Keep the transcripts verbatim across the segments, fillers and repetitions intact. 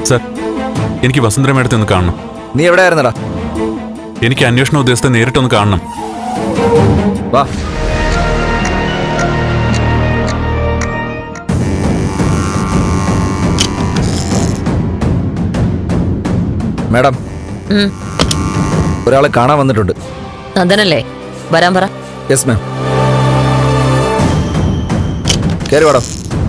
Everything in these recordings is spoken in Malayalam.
സർ, എനിക്ക് വസുന്ധര മേഡത്തെ ഒന്ന് കാണണം. നീ എവിടെയായിരുന്നടാ? എനിക്ക് അന്വേഷണ ഉദ്യോഗസ്ഥരെ നേരിട്ടൊന്ന് കാണണം. വാ. മാഡം, ഒരാളെ കാണാൻ വന്നിട്ടുണ്ട്. നന്ദനല്ലേ? വരാൻ പറ. Yes ma'am. കയറി വാടോ.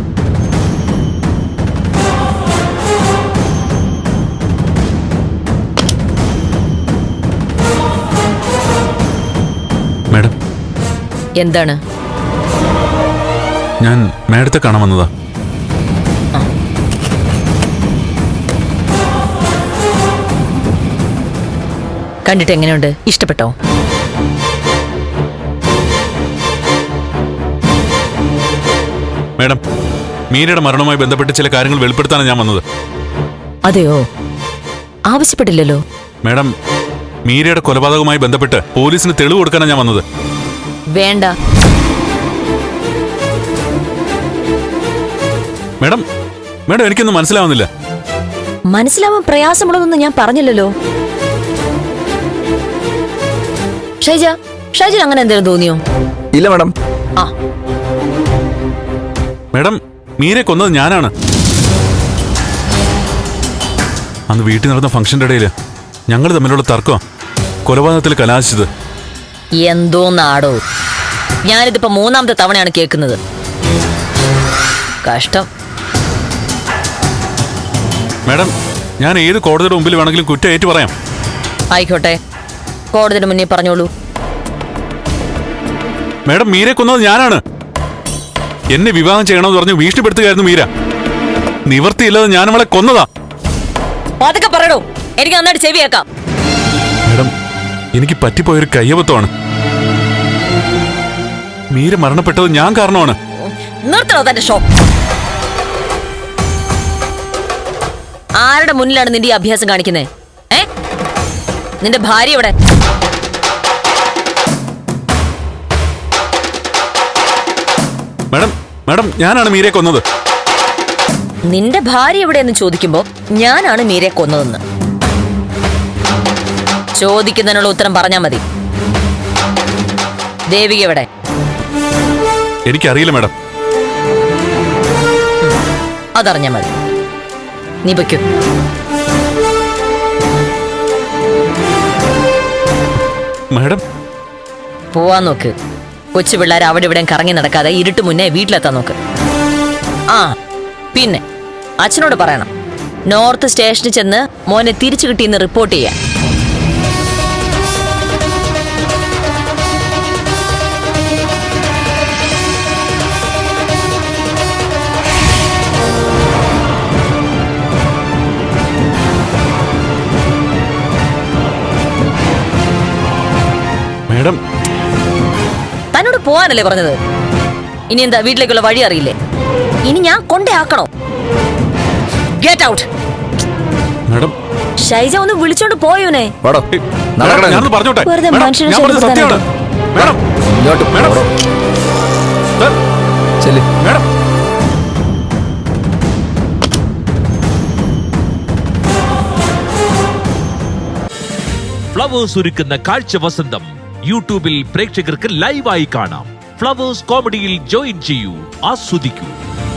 മാഡം, എന്താണ്? ഞാൻ മാഡത്തെ കാണാൻ വന്നതാ. കണ്ടിട്ട് എങ്ങനെയുണ്ട്? ഇഷ്ടപ്പെട്ടോ? മാഡം, മീരയുടെ മരണവുമായി ബന്ധപ്പെട്ട് ചില കാര്യങ്ങൾ വെളിപ്പെടുത്താനാണ് ഞാൻ വന്നത്. അതെയോ? ആവശ്യപ്പെട്ടില്ലല്ലോ. മാഡം, മീരയുടെ കൊലപാതകവുമായി ബന്ധപ്പെട്ട് പോലീസിന് തെളിവ് കൊടുക്കാനാണ് ഞാൻ വന്നത്. വേണ്ട. മാഡം, മാഡം എനിക്കൊന്നും മനസ്സിലാവുന്നില്ല. മനസ്സിലാവാൻ പ്രയാസമുള്ളതൊന്നും ഞാൻ പറഞ്ഞില്ലല്ലോ. ഷൈജ, ഷൈജ അങ്ങനെ എന്തെങ്കിലും തോന്നിയോ? ഇല്ല മാഡം. ആ മാഡം, മീരെ കൊന്നത് ഞാനാണ്. അന്ന് വീട്ടിൽ നടന്ന ഫംഗ്ഷന്റെ ഇടയിൽ ഞങ്ങൾ തമ്മിലുള്ള തർക്കം കൊലപാതകത്തിൽ കലാശിച്ചത്. എന്തോ നാടോ, ഞാനിതിപ്പോ മൂന്നാമത്തെ തവണയാണ് കേൾക്കുന്നത്. കഷ്ടം. മാഡം, ഞാൻ ഏത് കോടതിയുടെ മുമ്പിൽ വേണമെങ്കിലും കുറ്റം ഏറ്റു പറയാം. ആയിക്കോട്ടെ, കോടതിയുടെ മുന്നേ പറഞ്ഞോളൂ. മാഡം, മീരെ കൊന്നത് ഞാനാണ്. എന്നെ വിവാഹം ചെയ്യണമെന്ന് പറഞ്ഞ് ഭീഷണിപ്പെടുത്തുകയായിരുന്നു മീര. നിവർത്തിയില്ലാതെ ഞാൻ അവളെ കൊന്നതാ. അതൊക്കെ പറയണോ? എനിക്ക് നന്നായിട്ട് ചെവിയേക്കാം. മാഡം, എനിക്ക് പറ്റിപ്പോയൊരു കയ്യബദ്ധമാണ്. മീര മരണപ്പെട്ടത് ഞാൻ കാരണമാണ്. നിർത്തണോ തന്റെ ഷോ? ആരുടെ മുന്നിലാണ് നിന്റെ ഈ അഭ്യാസം കാണിക്കുന്നത്? ഏ, നിന്റെ ഭാര്യ എവിടെ? മാഡം, മാഡം, ഞാനാണ് മീരയെ കൊന്നത്. നിന്റെ ഭാര്യ എവിടെയെന്ന് ചോദിക്കുമ്പോ ഞാനാണ് മീരയെ കൊന്നതെന്ന് ചോദിക്കുന്നതിനുള്ള ഉത്തരം പറഞ്ഞാ മതി. ദേവിക എവിടെ? എനിക്കറിയില്ല മാഡം. അതറിഞ്ഞാ മതി. നീ പൊയ്ക്കോ. മാഡം, പോവാൻ നോക്ക്. കൊച്ചു പിള്ളേർ അവിടെ ഇവിടെ കറങ്ങി നടക്കാതെ ഇരുട്ട് മുന്നേ വീട്ടിലെത്താൻ നോക്ക്. ആ പിന്നെ അച്ഛനോട് പറയണം, നോർത്ത് സ്റ്റേഷനിൽ ചെന്ന് മോനെ തിരിച്ചു കിട്ടിയെന്ന് റിപ്പോർട്ട് ചെയ്യാൻ. മാഡം, തന്നോട് പോവാനല്ലേ പറഞ്ഞത്? ഇനി എന്താ വീട്ടിലേക്കുള്ള വഴി അറിയില്ലേ? ഇനി ഞാൻ കൊണ്ടേ ആക്കണോ? Get out. മാഡം, ഷൈജ ഒന്ന് വിളിച്ചോണ്ട് പോയോനെ. ഞാനൊന്ന് പറഞ്ഞോട്ടെ. വെറുതെ മനുഷ്യനെ ഞാൻ പറഞ്ഞത് സത്യമാണ്. മാഡം, ഇങ്ങോട്ട് മാഡം, പോടോ. സർ, ചെല്ല്. മാഡം. ഫ്ലവേഴ്സ് ഒരുക്കുന്ന കാഴ്ച വസന്തം യൂട്യൂബിൽ പ്രേക്ഷകർക്ക് ലൈവായി കാണാം. ഫ്ലവേഴ്സ് കോമഡിയിൽ ജോയിൻ ചെയ്യൂ, ആസ്വദിക്കൂ.